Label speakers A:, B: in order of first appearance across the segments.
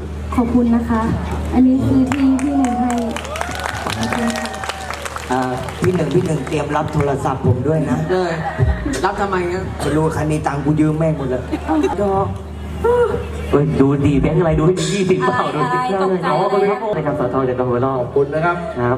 A: ขอบคุณนะคะ อันนี้คือที่พี่หนึ่งให้ขอบคุณค่ะ
B: พี่หนึ่งเตรียมรับโทรศัพท์ผมด้วยนะ
C: รับทำไมครับ
B: ไม่รู้คันนี้ตังค์กูยืมแม่งหมดเลยดอก
D: ดูดีแบงค์อะไรดูให้ดี20เปล่าดูสิ
A: ตกใจ
D: อ๋อขอบคุณครับนะครับสทจากกองหัวรอบ
E: ขอบคุณนะครับ
D: ครับ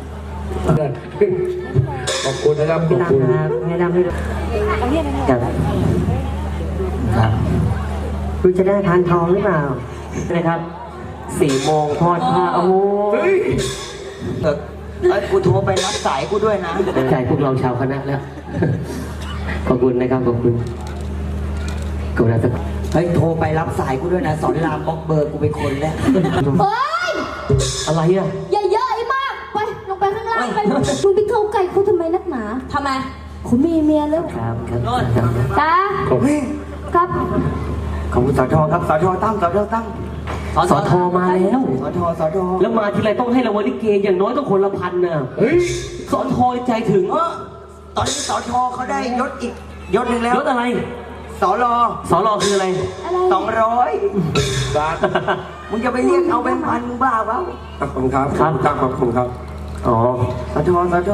E: ขอบคุณนะครับขอบคุณ
D: ให้ดำให้ดูครับครับคุณจะได้ทานทองหรือเปล่านะครับ4 โมงทอดผ้าโอ้ย
B: กูโทรไปรับสายกูด้วยนะ
D: ใจพวกเราชาวคณะแล้วขอบคุณนะครับขอบคุณกำลังจะ
B: โทรไปรับสายกูด้วยนะสอนรามบล็อกเบอร์กูไปคนแล้ว
A: เฮ้ย
D: อะไรอ่ะ
A: อย่าเยอะไอ้มากไปลงไปข้างล่างไปมึงไปเข้าไก่เขาทำไมนักหนาทำไมคุณมีเมียแล้ว
D: ครับ
A: จ้าครับ
B: ขอบคุณสทครับสทตั้ม
D: สทมาแล้ว
B: สท
D: แล้วมาทีไรต้องให้รางวัลลิเกอย่างน้อยต้องคนละ1,000น่ะสทใจถึง
B: ตอนนี้สทเขาได้ยศอีกยศหนึ่งแล้ว
D: ยศอะไร
B: สร
D: คืออะไร
B: 200 บาทมึงจะไปเรียกเอาแบงค์พันมึงบ้าเปล่า
E: ขอบคุณครับขอบคุณครับ
D: อ๋อ
B: สท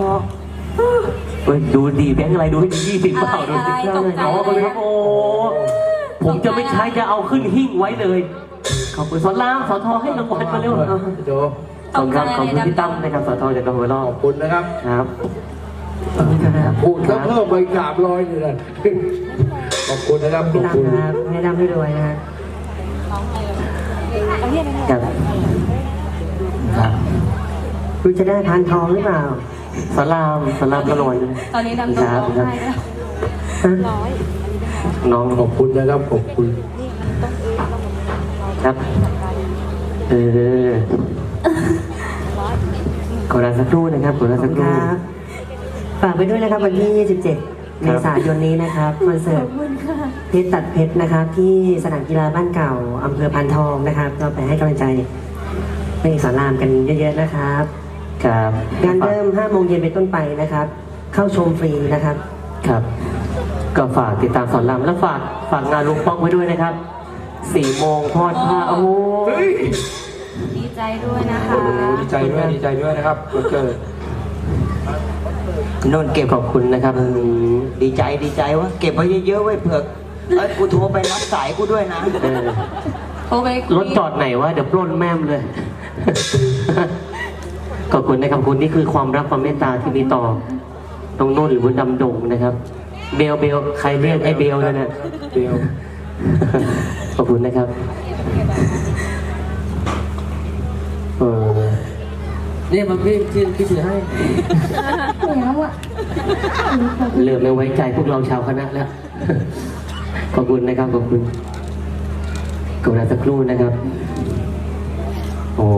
D: ดูดีแบงค์อะไรดูให้ดี20เปล่าดูสิอ๋อขอบคุณครับโอ้ผมจะไม่ใช้จะเอาขึ้นหิ้งไว้เลยขอบคุณสอนรามสทให้รางวัลมาเร็ว
E: โจ
D: ขอบคุณพี่ตั้มนะครับสทจากกองหัวรอบ
E: ขอบคุณนะครับ
D: ครับ
E: พูดแล้วเพิ่มไป300นี่แหละขอบคุณนะครับขอบคุณ
D: ให้ดำให้รวยนะครับคุณจะได้ทานทองหรือเปล่าสลามก็รวย
A: ตอนนี้ดำต้องร้องไห้แล้ว
D: น้อง
E: ขอบคุณนะครับขอบคุณ
D: ครับขอลาสักครู่นะครับขอลาสักครู่ฝากไปด้วยนะครับวันที่27 เมษายนนี้นะครับคอนเสิร์ตเพชรตัดเพชรนะครับที่สนามกีฬาบ้านเก่าอำเภอพานทองนะครับก็ไปให้กำลังใจไปสอนรามกันเยอะๆนะครับครับงานเริ่ม 5 โมงเย็นเป็นต้นไปนะครับเข้าชมฟรีนะครับครับก็ฝากติดตามสอนรามและฝากงานลุงป้องไว้ด้วยนะครับ4 โมงทอดผ้าโอ้
A: ดีใจด้วยนะคะ
E: ดีใจด้วยนะครับวันเกิด
D: นนเก็บขอบคุณนะครับ
B: ดีใจวะเก็บไว้เยอะๆไว้เผื่อกูโทรไปรับสายกูด้วยนะ
A: โทรไป
D: รถจอดไหนวะเดี๋ยวปล้นแม่มเลยขอบคุณนะครับคุณนี่คือความรักความเมตตาที่มีต่อตรงโน้นหรือว่าดำดงนะครับเบลใครเรียกไอ้เบลนั่นน่ะ
E: เบล
D: ขอบคุณนะครับ
C: นี่มันพี่ถือให้
D: เริ่มไม่ไว้ใจพวกเราชาวคณะแล้วขอบคุณนะครับขอบคุณกำลังสักครู่นะครับโอ้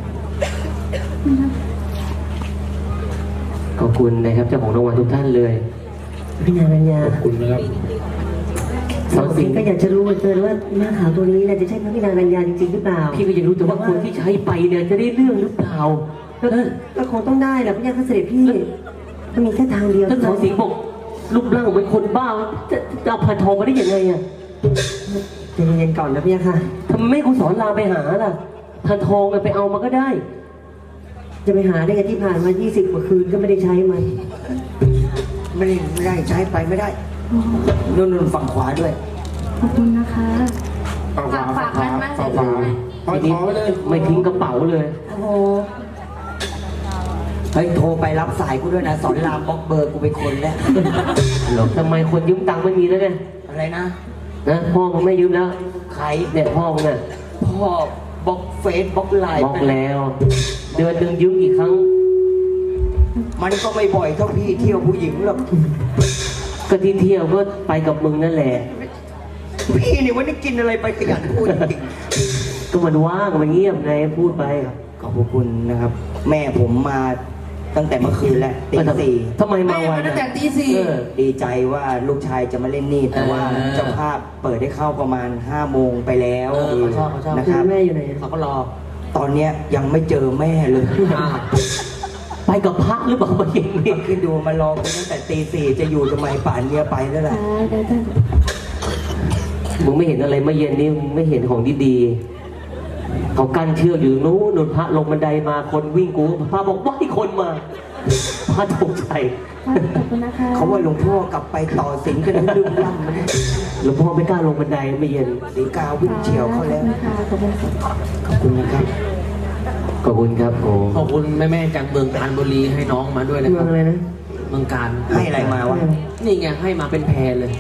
D: ขอบคุณนะครับเจ้าของรางวัลทุกท่านเลยพี่นารัญญา
E: ขอบคุณนะครับ
D: สาวสิงห์ก็อยากจะรู้ว่าหน้าขาวตัวนี้จะใช่พระพี่นางรัญญาจริงๆหรือเปล่าพี่ก็อยากรู้แต่ว่าคนที่ใช้ไปเนี่ยจะได้เรื่องหรือเปล่าก็คงต้องได้แหละพี่ยังเสด็จพี่มันมีแค่ทางเดียวท่านสาวสิงห์บอกรูปร่างเป็นคนบ้าจะเอาพันทองมาได้ยังไงอ่ะใจเย็นๆก่อนนะพี่ค่ะทำไมไม่คุณสอนลาไปหาล่ะพันทองไปเอามาก็ได้จะไปหาได้ไงที่ผ่านมา20 กว่าคืนก็ไม่ได้ใช้มัน
B: ไม่ได้ใช้ไปไม่ได้นุ่นฝั่งขวาด้วย
A: ขอบคุณนะคะ
E: ฝากมันมากเลย
D: ไม่ทิ้งกระเป๋าเลย
A: โอ้โห
B: โทรไปรับสายกูด้วยนะสอนรามบล็อกเบอร์กูไปคนแล้ว
D: ทำไมคนยืมตังค์ไม่มีแล้วเนี่ย
B: อะไรนะ
D: พ่อมึงไม่ยืมแล้ว
B: ใคร
D: เนี่ยพ่อมึงน่ะ
B: พ่อบล็อกเฟซบล็อกไลน์
D: บล็อกแล้วเดือนนึงยืมกี่ครั้ง
B: มันก็ไม่บ่อยเท่าพี่เที่ยวผู้หญิงหรอก
D: ก็ที่เที่ยวก็ไปกับมึงนั่นแหละ
B: พี่นี่วันนี้กินอะไรไปขยันพูดจริง
D: ก็มันว่างมันเงียบไงพูดไป
B: ขอบคุณนะครับแม่ผมมาตั้งแต่เมื่อคืนแล้วตี 4
D: ทำไมมาไว
C: ตั้งแต่ตี 4
B: ดีใจว่าลูกชายจะมาเล่นนี่แต่ว่าเจ้าภาพเปิดให้เข้าประมาณ5 โมงไปแล้ว
D: นะครับแม่อยู่ไหน
C: เขาก็รอ
B: ตอนเนี้ยยังไม่เจอแม่เลย
D: ไปกับพระหรือเปล่ามาอย่างนี้
B: คิดดูมารอกันตั้งแต่ตี 4จะอยู่ทำไมป่านเนี้ยไปแล้วแหละ
D: มึงไม่เห็นอะไรเมื่อเย็นนี้ไม่เห็นของดีเขากั้นเชือกอยู่นู้นพระลงบันไดมาคนวิ่งกูพระบอกว่าให้คนมาพระตกใจ
A: ขอบคุณนะคะ
B: เขาว่าหลวงพ่อกลับไปต่อสิงกันให้ลืมล่ำนะ
D: หลวงพ่อไม่กล้าลงบันไดไม่เย็น
B: สีกาวิ่งเฉียวเขาแล้ว
A: ขอบคุณค่ะ
B: ขอบคุณนะครับ
D: ขอบคุณครับโอ้
C: ขอบคุณแม่ๆจากเมืองการบุรีให้น้องมาด้วยนะค
D: เมื
C: รั
D: อบ งอะไรนะ
C: เมืองการ
B: ให้อะไรมาวะ
C: นี่ไงให้มาเป็นแพรเลย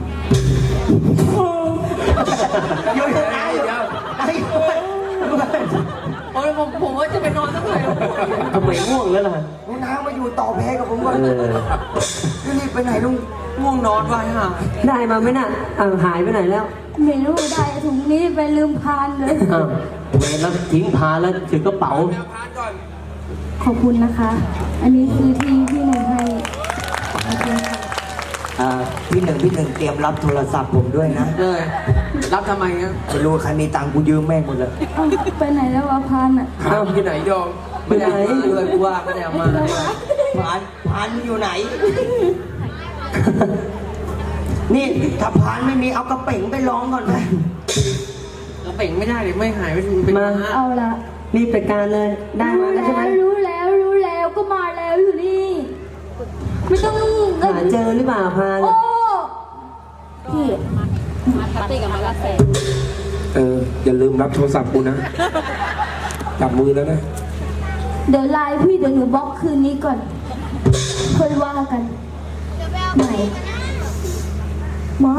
B: เดี๋ยวเดี๋ยวไอ้
C: โอ้ยผมว่าจะไปนอนสักหน่อย
D: ทำไมง่วงแล้วล่ะ
B: ลุงน้ามาอยู่ต่อแพ้กับผมก่อน
D: เออ
B: นี่ไปไหนลุง
C: ง่วงนอนไว้ฮะ
D: ได้มาไหมน่ะหายไปไหนแล้ว
A: ไม่รู้ได้ถุงนี้ไปลืมพานเลย
D: อ้าวเวรแล้วทิ้งพาแล้วถือกระเป๋า
A: ขอบคุณนะคะ อันนี้คือที่พี่หนึ่งให้ขอบคุณค่ะ
B: พี่หนึ่งเตรียมรับโทรศัพท์ผมด้วยนะ
C: เลยรับทำไมอ่ะ
B: ไม่รู้ใครมีตังค์กูยืมแม่งหมดเลย
A: เอ้าไปไหนแล้ววะพานอ่ะ
C: หาที่ไหนยอมไม่ได้เลยกูว่าไม่ได้เอามา
B: พันอยู่ไหน นี่ถ้าพันไม่มีเอากระเป๋งไปร้องก่อนไหม
C: เราเป่งไม่ได้เลยไม่หายเป็น
D: มา
A: เอาละ
D: รีบจัดการเลย ได้มาแล้วใช่ไหม
A: รู้แล้วก็มาแล้วอยู่นี่ ไม่ต้อง
D: หาเจอหรือเปล่าพา
A: โอ้พี่
E: อย่าลืมรับโทรศัพท์กูนะ จับมือแล้วนะ
A: เดี๋ยวไลน์พี่เดี๋ยวหนูบล็อกคืนนี้ก่อนค่อยว่ากันไหนมา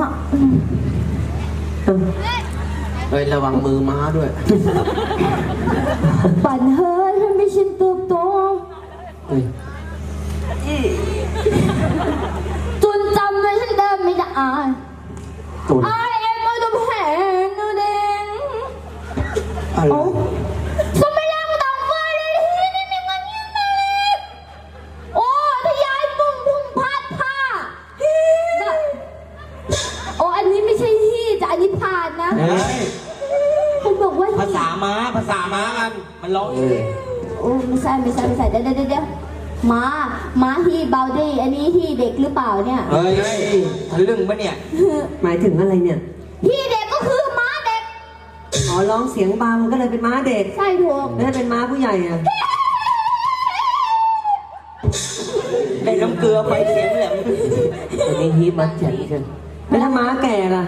C: เฮ้ยระวังมือม้าด้วย
A: ปั่นเฮ้ยทำให้ฉันเติบโต
C: เฮ้ย
A: จนจำไว้ฉันเดิมไม่ได้อ่าน
D: ตุน
A: I am the pen no den
B: อะไร
A: Summerlang tanggal Hindi naman yun na Oh ทะยายปุ่งพุ่งพัดผ้าโอ้อันนี้ไม่ใช่ฮี่แต่อันนี้ผ่านนะ
B: เฮ้ย
A: คุณบอกว่า
B: ภาษาม้ากันมันร้องเอง
A: โอ้ไม่ใช่เดี๋ยวม้าฮีเบาดี้อันนี้ฮีเด็กหรือเปล่าเนี่ย
B: เฮ้ยทะลึ่งปะเนี่ย
D: หมายถึงอะไรเนี่ย
A: ฮีเด็กก็คือม้าเด็ก
D: อ๋อร้องเสียงเบามันก็เลยเป็นม้าเด็ก
A: ใช่ถูก
D: แล้วถ้าเป็นม้าผู้ใหญ่อะ
B: ได้น้ำเกลือไปเสียงแหลม
D: อันนี้ฮีทมัดแจ็คใช่ไหมแล้วถ้าม้าแก่ล่ะ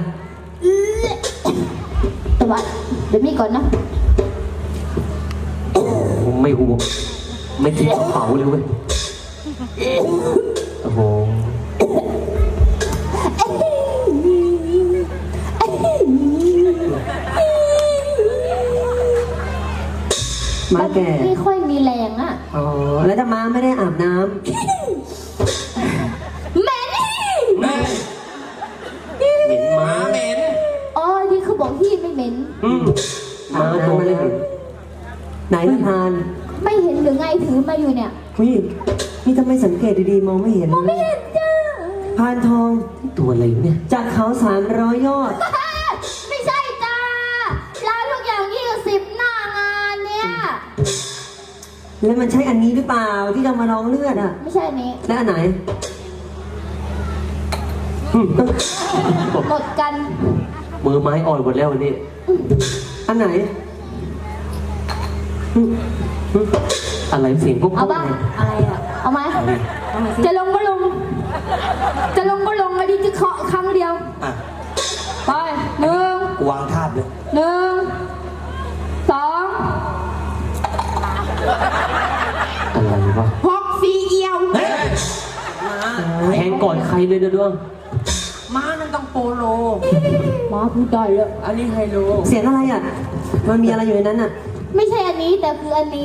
A: แต่ว่าเดี๋ยวมีก่อนนะ
D: ผมไม่ห่วงไม่ทิ้งกระเป๋าเลยเว้ยโอ้โหม้าแก่
A: ไม่ค่อยมีแรงอ่ะ
D: อ๋อแล้วถ้าม้าไม่ได้อาบน้
A: เหม็น
B: แม่
D: ำเหม็นม้า
B: เหม็น
A: อ๋อที่เขาบอกที่ไม่เหม็น
D: ม้าตัวไม่ได้เหม็นไหนละพาน
A: ไม่เห็นหรือไงถือมาอยู่เนี่ย
D: นี่ทำไมสังเกตดีๆมองไม่เห็น
A: ไม่เห็นจ้า
D: พานทองตัวอะไรเนี่ยจากเขา300 ยอด
A: ไม่ใช่จ้าร้านทุกอย่าง20หน้างานเนี่ย
D: แล้วมันใช่อันนี้หรือเปล่าที่เรามาลองเลือดอ่ะ
A: ไม่ใช่อันนี้
D: แล้วอันไหน
A: หมดกัน
D: มือไม้อ่อนหมดแล้ววันนี้ อันไหน อะไรเสียงพวก
A: เอาบ้างอะไรอ่ะเอาไหมจะลงก็ลงอันนี้จะเคาะครั้งเดียว
B: อ่ะ
A: ไปหนึ่ง
B: กูวางทาบเลย
A: 1 2
D: อะไรวะ
A: 6 4เอียว
D: แทงก่อนใครเลยนะด้วง
C: ม้านั่นต้องโปโล
A: มาพูดได้เลย
C: อันนี้ไฮโล
D: เสียงอะไรอ่ะ มันมีอะไรอยู่ในนั้นอ่ะ
A: ไม่ใช่อันนี้แต่คืออันนี้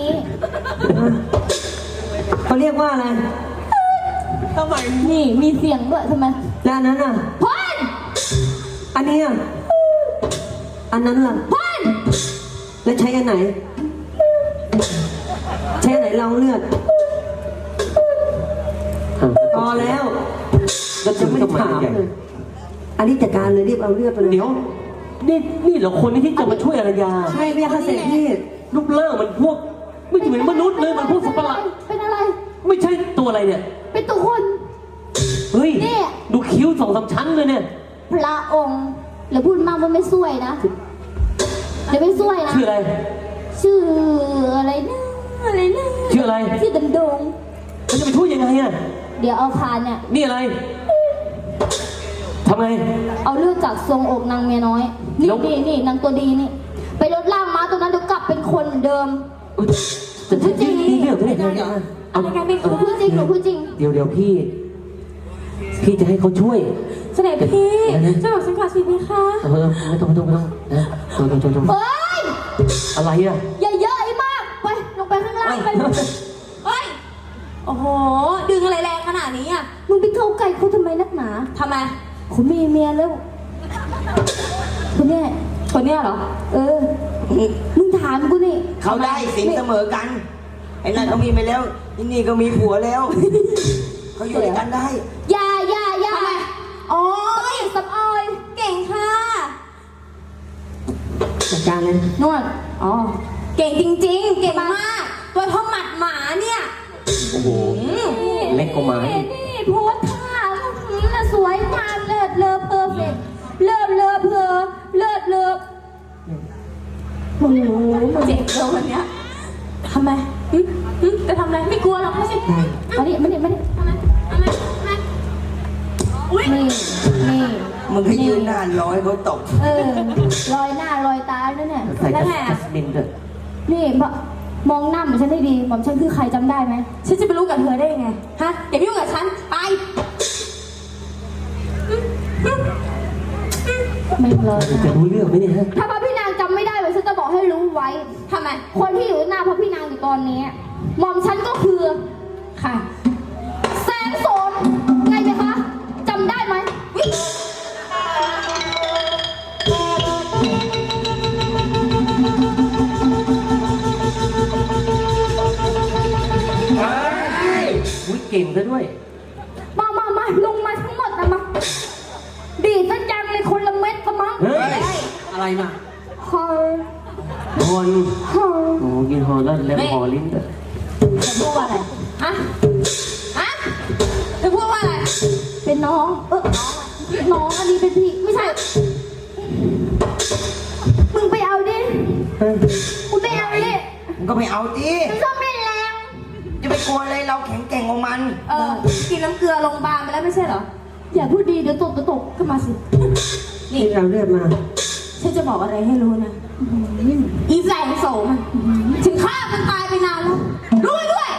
D: เขาเรียกว่าอะไร
C: ทำไม
A: นี่มีเสียงด้วยทำไม
D: แล้วอันนั้นอ่ะ
A: พ่น
D: อันนี้อ่ะ อันนั้นล่ะ
A: พ่น
D: แล้วใช้อันไหน ใช้อันไหนลองเลือดพอแล้วแล้วจะไม่ได้ถามเลยอันนี้จัดการเลยรีบเอาเลือดไปเลยเดี๋ยวนี่เหรอคนที่จะมาช่วยอารยาใช่ไม่ใช่เสด็จพี่รูปร่างมันพวกไม่เหมือนมนุษย์เลยมันพวกสัตว์ประหลาด
A: เป็นอะไร
D: ไม่ใช่ตัวอะไรเนี่ย
A: เป็นตัวคน
D: เฮ้ย
A: เนี่ย
D: ดูคิ้ว2-3 ชั้นเลยเนี่ย
A: พระองค์แล้วพูดมากมันไม่สวยนะเดี๋ยวไม่สวยนะ
D: ชื่ออะไร
A: ที่ดำดง
D: มันจะไปพูดยังไงอ่ะ
A: เดี๋ยวเอาพานเนี่ย
D: นี่อะไรทำไง
A: เอาเลือดจากทรงอกนางเมียน้อย นี่
D: แล้ว
A: นี่นางตัวดีนี่ ไปลดล่างม้าตัวนั้นเดี๋ยวกลับเป็นคนเหมือนเดิม
D: อุ๊ยแต่พูดจริงนี่เรื่องไม่ได้เอา
A: อะไรกันไม่รู้พูดจริงหนูพูดจริง
D: เดี๋ยวพี่จะให้เขาช่วย
A: เสด็จพี่จะบอกฉันขอชีวิตค่ะ
D: ไม่ต้องนะโจ
A: เฮ้ย
D: อะไรอ่ะ
A: อย่าเยอะไอ้มาก ไป ลงไปข้างล่างไป
F: เฮ้ย โอ้โห ดึงอะไรแรงขนาดนี้อ่ะ
A: มึงไปเข้าใกล้เขาทำไมนักหนา
F: ทำไม
A: คุณมีเมียแล้วคนเนี้ย
F: คนเนี้ยเหรอ
A: เออ มึงถามกูนี่
B: เขาได้สินเสมอกัน ไอ้นั่นเขามีไปแล้วที่นี่ก็มีผัวแล้ว เขาอยู่ด้วยกันได้
A: อย่าอ๋อสับออย
F: เก่งค่ะ
D: จัดการเลย
A: นวด
F: อ๋อ เก่งจริงๆ เก่งมาก ตัวเท่าหมัดหมาเนี่ย
D: โอ้โหเล็กกว่าไม้
A: นี่โพสท่าน่ะสวยงามเลิศเลอเพอร์เฟกต์เลิศเลอเพอเลิศเลอโอ้โห
F: เจ็บเลยวันเนี้ยทำไมจะทำอะไร ไม่กลัวหรอกไม่ใช่
A: มาดิ
F: ทำไมอุ้ย
A: นี่
B: มึงให้ยืนหน้าร้อยเขาตก
A: รอยหน้ารอยตาด้วยเนี่ย
D: ใส่จัสมินเถอะ
A: นี่มองหน้าเหมือนฉันให้ดีหม่อมฉันคือใครจำได้ไหม
F: ฉันจะไปรู้กับเธอได้ยังไง ฮะ อย่ามายุ่งกับฉัน ไป
A: ไม่เลย
D: จะรู้เรื่องไหมเนี่ยฮะ
A: ถ้าพระพี่นางจำไม่ได้ไว้ฉันจะบอกให้รู้ไว้
F: ทำไม
A: คนที่อยู่หน้าพระพี่นางอยู่ตอนนี้หม่อมฉันก็คือ
F: ค่ะ
A: แสงโสนไงไหมคะจำได้ไหม
D: อุ้ยเก่งซะด้วย
A: มาลงมาทั้งหมดนะมาดีดซะจังเลยคนละเม็ดกะมั้ง
D: เฮ้ย
C: อะไรมา
A: ฮอล
D: ฮอน
A: ฮอล
D: โอ้กินฮอลแล้วแล้วฮอลิ้นเถอะ
F: จะพูดว่าอะไร ฮะ ฮะจะพูดว่าอะไร
A: เป็นน้องน้องอันนี้เป็นพี่ไม่ใช่ มึงไปเอาดิ
D: เฮ้ย
A: มึงไปเอาดิ
B: มึงก็ไปเอาดิ
A: ไม่ชอบเล่นแรง
B: จะไปกลัวอะไรเราแข็งแกร่งของมัน
F: กินน้ำเกลือโรงพยาบาลไปแล้วไม่ใช่เหรอ
A: อย่าพูดดีเดี๋ยวตก
F: ขึ้นมาสิ
D: นี่เราเลือดมา
F: ฉันจะบอกอะไรให้รู้นะ อีแสงโสมถึงฆ่ามันตายไปนานแล้ว รู้ไว้ด้วย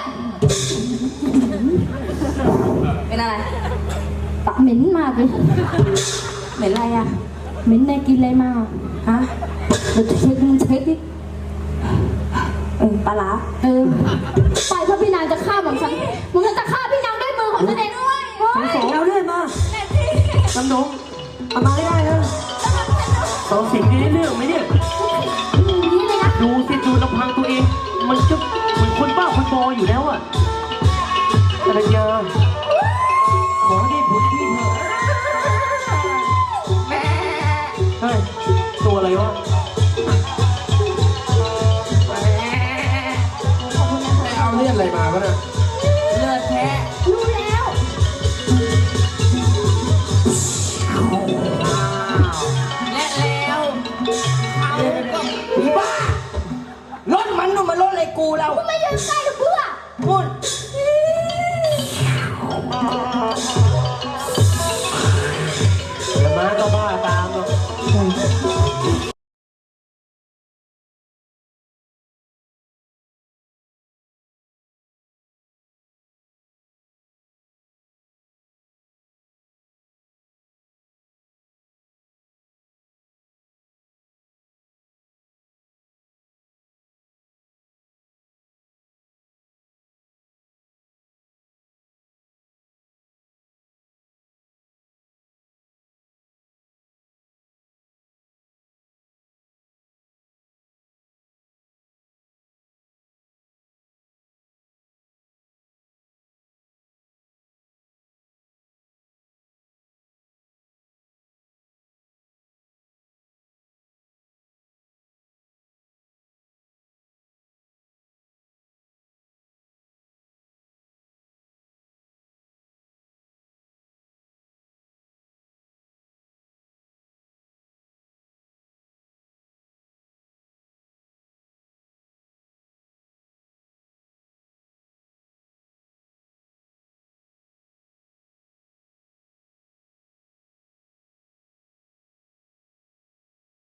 F: เป็นอะไร
A: ปากเหม็นมากเลย
F: เหม็นอะไรอ่ะ
A: เหม็นนายกินอะไรมา
F: ฮะ
A: เดี๋ยวมึงเช็คดิ
F: ปลาร้า
A: ไปเพราะพี่นางจะฆ่าหม่อมฉันมึงจะฆ่าพี่นางด้วยมือของฉันเองด้วย
D: สองเราเลือดมาลำดงเอามาไม่ได้นะสองสิ่งนี้ได้เรื่องไหมเนี่ย
A: นี่เลยนะ
D: ดูสิดูลำพังตัวเอง มันจะเหมือนคนบ้าคนบออยู่แล้วอ่ะอรัญญาขอได้ผลที่เถอะเฮ้ยตัวอะไรวะ
E: เอาเลือดอะไรมาวะเนี่ย
F: เลือดแท้
A: รู้แล้ว
F: และแล้ว
B: ผีบ้ารถมันนู่นมันรถอะไรกูเรา
A: ไม่ยืนใกล้เพื่อ
B: นู่น